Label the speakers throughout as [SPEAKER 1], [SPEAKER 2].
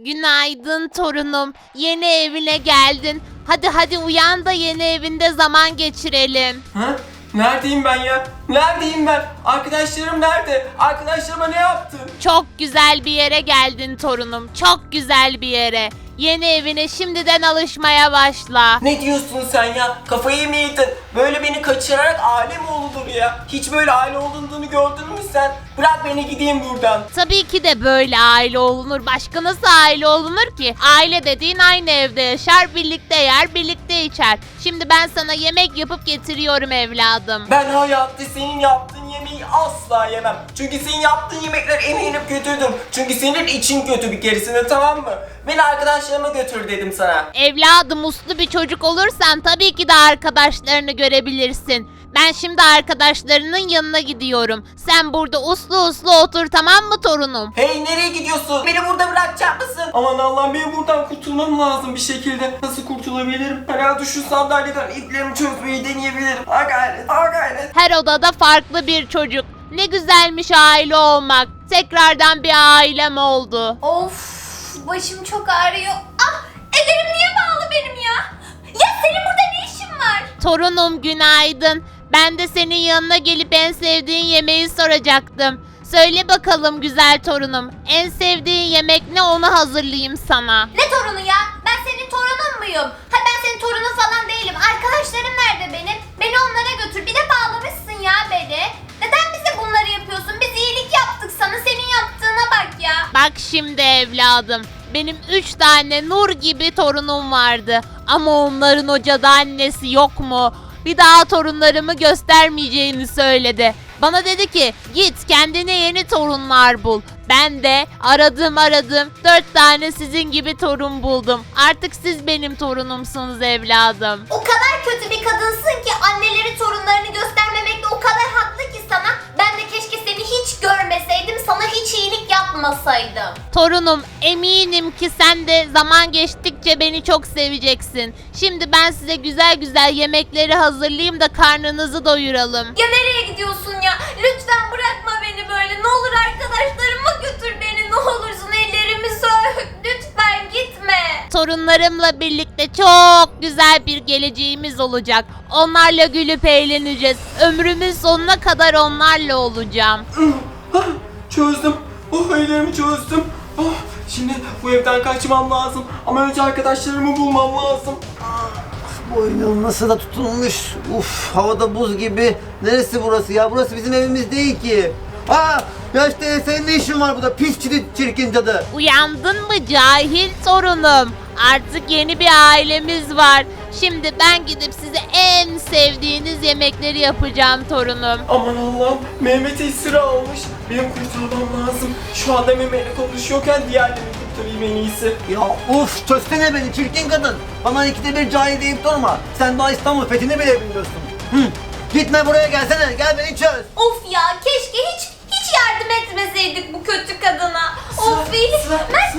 [SPEAKER 1] Günaydın torunum. Yeni evine geldin. Hadi uyan da yeni evinde zaman geçirelim.
[SPEAKER 2] Ha? Neredeyim ben ya? Neredeyim ben? Arkadaşlarım nerede? Arkadaşlarıma ne yaptın?
[SPEAKER 1] Çok güzel bir yere geldin torunum. Çok güzel bir yere. Yeni evine şimdiden alışmaya başla.
[SPEAKER 2] Ne diyorsun sen ya? Kafayı mı yedin? Böyle beni kaçırarak aile mi olunur ya? Hiç böyle aile olunduğunu gördün mü sen? Bırak beni gideyim buradan.
[SPEAKER 1] Tabii ki de böyle aile olunur. Başka nasıl aile olunur ki? Aile dediğin aynı evde yaşar, birlikte yer, birlikte içer. Şimdi ben sana yemek yapıp getiriyorum evladım.
[SPEAKER 2] Ben hayatta senin yaptığın yemeği asla yemem. Çünkü senin yaptığın yemekler eminim kötüdür. Çünkü senin için kötü bir keresinde, tamam mı? Beni arkadaşlarıma götür dedim sana.
[SPEAKER 1] Evladım, uslu bir çocuk olursan tabii ki de arkadaşlarını görebilirsin. Ben şimdi arkadaşlarının yanına gidiyorum. Sen burada uslu otur, tamam mı torunum?
[SPEAKER 2] Hey, nereye gidiyorsun? Beni burada bırakacak mısın? Aman Allah'ım, benim buradan kurtulmam lazım bir şekilde. Nasıl kurtulabilirim? Herhalde şu sandalyeden iplerimi çözmeyi deneyebilirim. Ha gayret, ha gayret.
[SPEAKER 1] Her odada farklı bir çocuk. Ne güzelmiş aile olmak. Tekrardan bir ailem oldu.
[SPEAKER 3] Of, başım çok ağrıyor. Ah, ellerim niye bağlı benim ya? Ya senin burada ne işin var?
[SPEAKER 1] Torunum günaydın. Ben de senin yanına gelip en sevdiğin yemeği soracaktım. Söyle bakalım güzel torunum. En sevdiğin yemek ne, onu hazırlayayım sana.
[SPEAKER 3] Ne torunu ya? Ben senin torunun muyum? Ha, ben senin torunun falan değilim. Arkadaşlarım nerede benim? Beni onlara götür. Bir de bağlamışsın ya beni. Neden bize bunları yapıyorsun? Biz iyilik yaptık sana. Senin yaptığına bak ya.
[SPEAKER 1] Bak şimdi evladım. Benim 3 tane nur gibi torunum vardı. Ama onların o cadı annesi yok mu? Bir daha torunlarımı göstermeyeceğini söyledi. Bana dedi ki git kendine yeni torunlar bul. Ben de aradım 4 tane sizin gibi torun buldum. Artık siz benim torunumsunuz evladım.
[SPEAKER 3] O kadar kötü bir kadınsın ki anneleri torunlarını göstermemekle o kadar haklı ki sana. Ben de keşke seni hiç görmeseydim, sana hiç iyilik yapmasaydım.
[SPEAKER 1] Torunum, eminim ki sen de zaman geçtikçe beni çok seveceksin. Şimdi ben size güzel güzel yemekleri hazırlayayım da karnınızı doyuralım.
[SPEAKER 3] Ya nereye gidiyorsun ya? Lütfen bırakma beni böyle. Ne olur arkadaşlarıma götür beni. Ne olursun, ellerimi sök. Lütfen gitme.
[SPEAKER 1] Torunlarımla birlikte çok güzel bir geleceğimiz olacak. Onlarla gülüp eğleneceğiz. Ömrümün sonuna kadar onlarla olacağım.
[SPEAKER 2] Çözdüm. Oh, ellerimi çözdüm. Oh, şimdi bu evden kaçmam lazım. Ama önce arkadaşlarımı bulmam lazım.
[SPEAKER 4] Boynum nasıl da tutulmuş. Uf, havada buz gibi. Neresi burası ya? Burası bizim evimiz değil ki. Aa, ya işte senin ne işin var burada? Pis çirkin cadı.
[SPEAKER 1] Uyandın mı cahil torunum? Artık yeni bir ailemiz var. Şimdi ben gidip size en sevdiğiniz yemekleri yapacağım torunum.
[SPEAKER 2] Aman Allah'ım, Mehmet esir almış. Benim kurtulmam lazım. Şu anda Mehmet'le konuşuyorken diğerlerini kurtarayım en iyisi.
[SPEAKER 4] Ya uf, çözsene beni çirkin kadın. Bana ikide bir cahil deyip durma. Sen daha İstanbul fethini bile bilmiyorsun. Hı. Gitme buraya, gelsene. Gel beni çöz.
[SPEAKER 3] Of ya, keşke hiç yardım etmeseydik bu kötü kadına. Of iyi. Mert.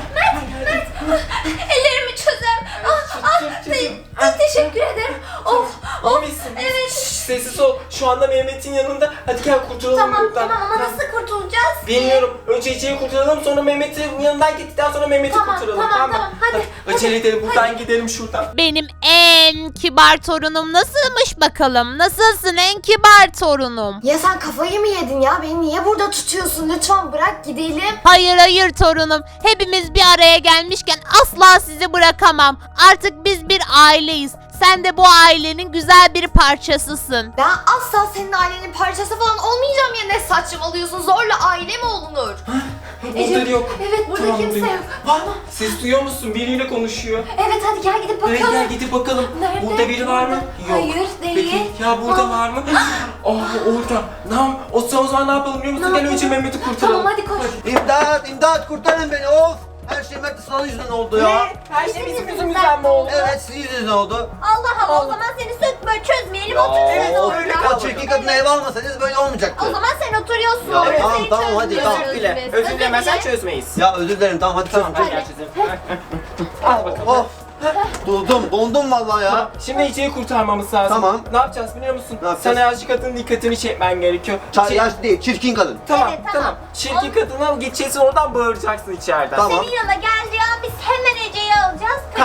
[SPEAKER 3] Ellerimi çözer. Teşekkür ederim. Of.
[SPEAKER 2] İyi misin?
[SPEAKER 3] Evet.
[SPEAKER 2] Sessiz ol. Şu anda Mehmet'in yanında. Hadi gel kurtulalım
[SPEAKER 3] Tamam
[SPEAKER 2] buradan.
[SPEAKER 3] ama nasıl kurtulacağız ki?
[SPEAKER 2] Bilmiyorum. Önce Ece'yi kurtaralım, sonra Mehmet'in yanından gittikten sonra Mehmet'i
[SPEAKER 3] Tamam,
[SPEAKER 2] kurtaralım.
[SPEAKER 3] tamam,
[SPEAKER 2] mı?
[SPEAKER 3] hadi.
[SPEAKER 2] Acele edelim, buradan gidelim şuradan.
[SPEAKER 1] Benim en kibar torunum nasılmış bakalım? Nasılsın en kibar torunum?
[SPEAKER 5] Ya sen kafayı mı yedin ya? Beni niye burada tutuyorsun? Lütfen bırak gidelim.
[SPEAKER 1] Hayır torunum. Hepimiz bir araya gelmişken asla sizi bırakamam. Artık biz bir aileyiz. Sen de bu ailenin güzel bir parçasısın.
[SPEAKER 5] Ben asla senin ailenin parçası falan olmayacağım ya. Ne saçmalıyorsun? Zorla aile mi olunur?
[SPEAKER 2] Burada yok.
[SPEAKER 5] Evet, burada
[SPEAKER 2] Tamam,
[SPEAKER 5] kimse
[SPEAKER 2] duyuyorum.
[SPEAKER 5] yok.
[SPEAKER 2] Ses duyuyor musun? Biriyle konuşuyor.
[SPEAKER 5] Evet, hadi gel gidip
[SPEAKER 2] Evet,
[SPEAKER 5] bakalım.
[SPEAKER 2] gel gidip bakalım.
[SPEAKER 5] Nerede?
[SPEAKER 2] Burada biri var mı? Yok.
[SPEAKER 5] Hayır, değil.
[SPEAKER 2] Peki ya burada var mı? Orada. Tamam. O zaman ne yapalım biliyor musun?
[SPEAKER 5] Ne
[SPEAKER 2] Gel önce
[SPEAKER 5] yapalım?
[SPEAKER 2] Mehmet'i kurtaralım.
[SPEAKER 5] Tamam, hadi koş.
[SPEAKER 4] İmdat kurtarın beni. Of. Her şey Mert Sıla'nın yüzünden oldu ya.
[SPEAKER 2] Her şey bizim yüzümüzden mi oldu?
[SPEAKER 4] Evet, sizin yüzünüzden oldu.
[SPEAKER 3] Allah Allah, o zaman seni süt böyle çözmeyelim,
[SPEAKER 4] Ya,
[SPEAKER 3] otururuz
[SPEAKER 4] of,
[SPEAKER 3] orada.
[SPEAKER 4] o çirkin kadını eve almasaydınız böyle olmayacaktı.
[SPEAKER 3] O zaman sen oturuyorsun.
[SPEAKER 4] Ya,
[SPEAKER 3] orada,
[SPEAKER 4] tamam,
[SPEAKER 3] seni
[SPEAKER 4] tamam, hadi,
[SPEAKER 3] çözmüyoruz
[SPEAKER 4] tamam.
[SPEAKER 2] Özür dile.
[SPEAKER 3] biz.
[SPEAKER 2] Özür dilemezsen
[SPEAKER 3] dile.
[SPEAKER 2] çözmeyiz.
[SPEAKER 4] Ya özür dilerim, tamam hadi
[SPEAKER 2] Tamam,
[SPEAKER 4] çözün.
[SPEAKER 2] gel çözelim. Al bakalım.
[SPEAKER 4] Of. Dondum vallahi ya.
[SPEAKER 2] Tamam, şimdi Ece'yi kurtarmamız lazım.
[SPEAKER 4] Tamam.
[SPEAKER 2] Ne yapacağız biliyor musun?
[SPEAKER 4] Ne yapacağız?
[SPEAKER 2] Sana yaşlı kadının dikkatini çekmen gerekiyor.
[SPEAKER 4] Yaş değil, çirkin kadın.
[SPEAKER 2] Tamam,
[SPEAKER 3] Evet,
[SPEAKER 2] tamam.
[SPEAKER 3] tamam.
[SPEAKER 2] Çirkin kadına gideceksin, oradan bağıracaksın içeriden.
[SPEAKER 4] Tamam.
[SPEAKER 3] Senin yanına geldiği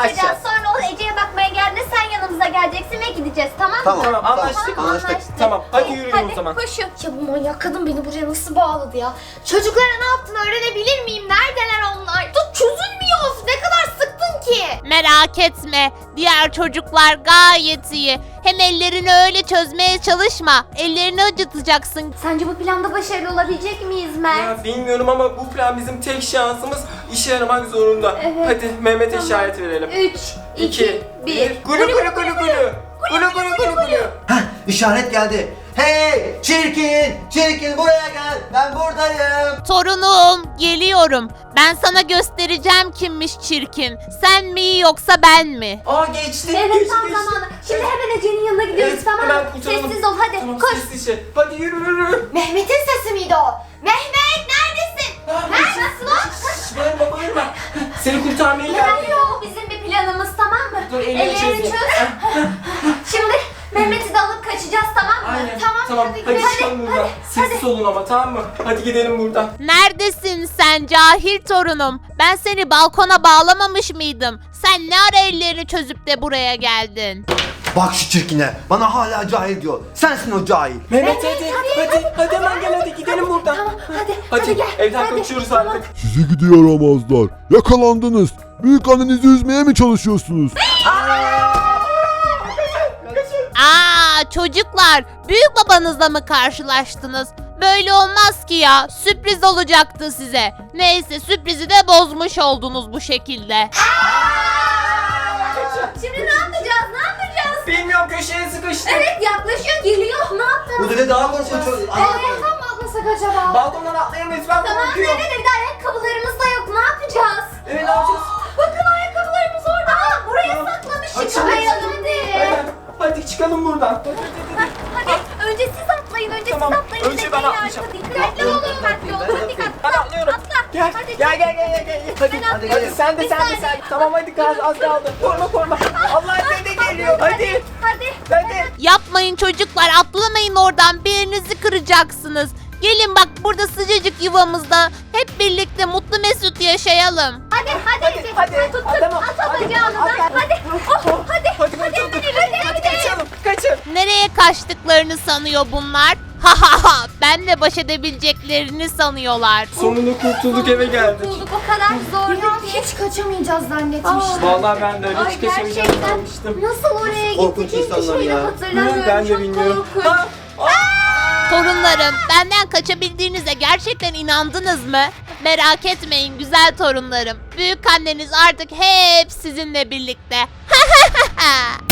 [SPEAKER 3] kaçacağız.
[SPEAKER 2] Kaçacağız.
[SPEAKER 3] Sonra o Ece'ye bakmaya geldiğinde sen yanımıza geleceksin ve gideceğiz, tamam mı?
[SPEAKER 4] Tamam.
[SPEAKER 2] Tamam, anlaştık.
[SPEAKER 4] Anlaştık.
[SPEAKER 2] Tamam, hadi yürüyün
[SPEAKER 3] Hadi
[SPEAKER 2] o zaman.
[SPEAKER 3] koşun.
[SPEAKER 5] Ya bu manyak kadın beni buraya nasıl bağladı ya? Çocuklara ne yaptığını öğrenebilir miyim? Neredeler onlar? Dur çözülmüyor. Ne kadar sıktın ki?
[SPEAKER 1] Merak etme. Diğer çocuklar gayet iyi. Hem ellerini öyle çözmeye çalışma. Ellerini acıtacaksın.
[SPEAKER 3] Sence bu planda başarılı olabilecek miyiz Mert?
[SPEAKER 2] Ya bilmiyorum ama bu plan bizim tek şansımız, işe yaramak zorunda.
[SPEAKER 3] Evet.
[SPEAKER 2] Hadi Mehmet'e işaret verelim.
[SPEAKER 3] 3, 2, 1.
[SPEAKER 2] Gulu gulu gulu gulu. Gulu gulu gulu gulu.
[SPEAKER 4] Heh, işaret geldi. Hey çirkin, çirkin buraya gel. Ben buradayım.
[SPEAKER 1] Torunum, geliyorum. Ben sana göstereceğim kimmiş çirkin. Sen mi yoksa ben mi?
[SPEAKER 2] Aa geçti.
[SPEAKER 3] Evet
[SPEAKER 2] geçti,
[SPEAKER 3] tam
[SPEAKER 2] geçti.
[SPEAKER 3] zamanı. Şimdi hemen Ece'nin yanına gidiyoruz,
[SPEAKER 2] Evet,
[SPEAKER 3] tamam mı?
[SPEAKER 2] hemen kurtulalım.
[SPEAKER 3] Sessiz ol hadi
[SPEAKER 2] Tamam,
[SPEAKER 3] koş.
[SPEAKER 2] sessizce. Hadi yürü yürü.
[SPEAKER 5] Mehmet'in sesi miydi o? Mehmet neredesin?
[SPEAKER 3] Nasıl o?
[SPEAKER 2] Şşş, bağırma bağırma. Seni kurtarmaya geldim.
[SPEAKER 3] Yok bizim bir planımız, tamam mı?
[SPEAKER 2] Dur, ellerini çözeyim.
[SPEAKER 3] Şimdi Mehmet'i de alıp kaçacağız, tamam mı?
[SPEAKER 2] Aynen.
[SPEAKER 3] Tamam,
[SPEAKER 2] Tamam.
[SPEAKER 3] hadi
[SPEAKER 2] Hadi
[SPEAKER 3] gidelim.
[SPEAKER 2] çıkalım buradan. Sessiz olun ama, tamam mı? Hadi gidelim buradan.
[SPEAKER 1] Neredesin sen cahil torunum? Ben seni balkona bağlamamış mıydım? Sen ne ara ellerini çözüp de buraya geldin?
[SPEAKER 4] Bak şu çirkine. Bana hala cahil diyor. Sensin o cahil.
[SPEAKER 2] Mehmet hadi hemen gel, hadi gidelim buradan.
[SPEAKER 3] Tamam hadi
[SPEAKER 2] Hadi
[SPEAKER 3] gel.
[SPEAKER 2] evden
[SPEAKER 3] hadi.
[SPEAKER 2] kaçıyoruz artık.
[SPEAKER 6] Sizi gidi yaramazlar. Yakalandınız. Büyük annenizi üzmeye mi çalışıyorsunuz?
[SPEAKER 1] Aa çocuklar, büyük babanızla mı karşılaştınız? Böyle olmaz ki ya. Sürpriz olacaktı size. Neyse sürprizi de bozmuş oldunuz bu şekilde.
[SPEAKER 3] Şimdi ne yapacağız? Ne yapacağız?
[SPEAKER 2] Bilmiyorum, köşeye sıkıştık.
[SPEAKER 3] Evet yaklaşıyor, geliyor. Ne yaptınız?
[SPEAKER 4] Bu da daha korkunç.
[SPEAKER 5] Ayakkabı mı atlasak acaba?
[SPEAKER 2] Balkondan atlayamayız, ben
[SPEAKER 3] Tamam
[SPEAKER 2] korkuyorum.
[SPEAKER 3] nerede? Bir de ayakkabılarımız da yok. Ne yapacağız?
[SPEAKER 2] Evet, ne yapacağız?
[SPEAKER 3] Bakın ayakkabılarımız orada. Aa, buraya saklamışız.
[SPEAKER 2] Hadi,
[SPEAKER 3] Çıkmayalım
[SPEAKER 2] Hadi, hadi çıkalım buradan.
[SPEAKER 3] Hadi önce siz atlayın. Önce
[SPEAKER 2] Tamam,
[SPEAKER 3] siz atlayın.
[SPEAKER 2] önce
[SPEAKER 3] Bir de
[SPEAKER 2] ben
[SPEAKER 3] gel
[SPEAKER 2] atlayacağım.
[SPEAKER 3] arka. Dikkatli olun. Dikkatli olun. Hadi
[SPEAKER 2] Ben
[SPEAKER 3] atla.
[SPEAKER 2] atlıyorum.
[SPEAKER 3] Atla.
[SPEAKER 2] Gel,
[SPEAKER 3] Hadi
[SPEAKER 2] gel,
[SPEAKER 3] çık.
[SPEAKER 2] gel, gel, gel. Hadi,
[SPEAKER 3] Ben
[SPEAKER 2] hadi,
[SPEAKER 3] atlıyorum.
[SPEAKER 2] sen de,
[SPEAKER 3] Bir
[SPEAKER 2] sen de,
[SPEAKER 3] saniye.
[SPEAKER 2] sen. Tamam hadi, az kaldı. Korma. Allah dede geliyor. Hadi,
[SPEAKER 3] Hadi.
[SPEAKER 1] Yapmayın çocuklar, atlamayın oradan, bir yerinizi kıracaksınız. Gelin bak, burada sıcacık yuvamızda hep birlikte mutlu mesut yaşayalım.
[SPEAKER 3] Hadi Ece.
[SPEAKER 2] hadi.
[SPEAKER 3] Tut.
[SPEAKER 2] Tamam,
[SPEAKER 3] At
[SPEAKER 2] hadi,
[SPEAKER 3] bacağını da.
[SPEAKER 2] hadi.
[SPEAKER 3] Hadi. Oh, hadi.
[SPEAKER 2] hadi,
[SPEAKER 3] Hadi.
[SPEAKER 2] kaçın.
[SPEAKER 1] Nereye kaçtıklarını sanıyor bunlar? Ha ha ha, benle baş edebileceklerini sanıyorlar.
[SPEAKER 2] Sonunda kurtulduk, eve geldik.
[SPEAKER 3] Bulduk, o kadar zor.
[SPEAKER 5] Ya hiç kaçamayacağız zannetmiştim.
[SPEAKER 2] Vallahi ben de öyle hiç kaçamayacağım
[SPEAKER 3] Gerçekten
[SPEAKER 2] sanmıştım.
[SPEAKER 3] nasıl oraya
[SPEAKER 4] Korkunç
[SPEAKER 3] gittik hiçbir
[SPEAKER 4] insanlar
[SPEAKER 3] şeyi
[SPEAKER 4] ya.
[SPEAKER 3] hatırlamıyorum.
[SPEAKER 2] Ben de
[SPEAKER 3] Çok
[SPEAKER 2] bilmiyorum.
[SPEAKER 3] korkunç.
[SPEAKER 2] Ha,
[SPEAKER 1] Torunlarım, benden kaçabildiğinize gerçekten inandınız mı? Merak etmeyin güzel torunlarım. Büyük anneniz artık hep sizinle birlikte.